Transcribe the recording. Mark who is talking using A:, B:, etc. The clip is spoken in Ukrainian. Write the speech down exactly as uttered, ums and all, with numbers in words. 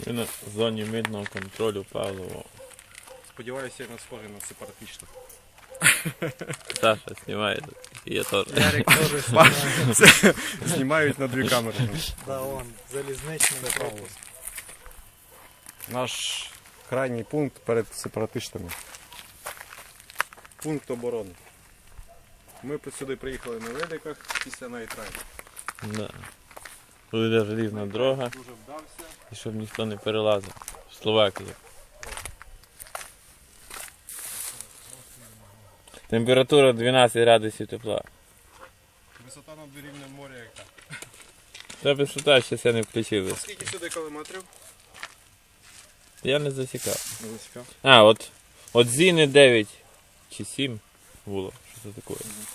A: Ми на зоні митного контролю Павлово.
B: Сподіваюся, я не схожий на сепаратиста.
A: Саша знімає, і я теж.
C: Ярик теж знімає.
B: Знімають на дві камери.
C: Да, он, залізничний пропуск.
B: Наш крайній пункт перед сепаратистами. Пункт оборони. Ми сюди приїхали на великах після найтрайну.
A: Да. Тут йде желізна дорога,
B: Дуже вдався.
A: і щоб ніхто не перелазив. В Словакії. Температура дванадцять градусів тепла.
B: Висота над рівнем моря яка?
A: Та висота ще я не включив.
B: Скільки сюди кілометрів?
A: Я не засікав.
B: Не засікав.
A: А, от, от Зіни дев'ять чи сім було. Що це таке?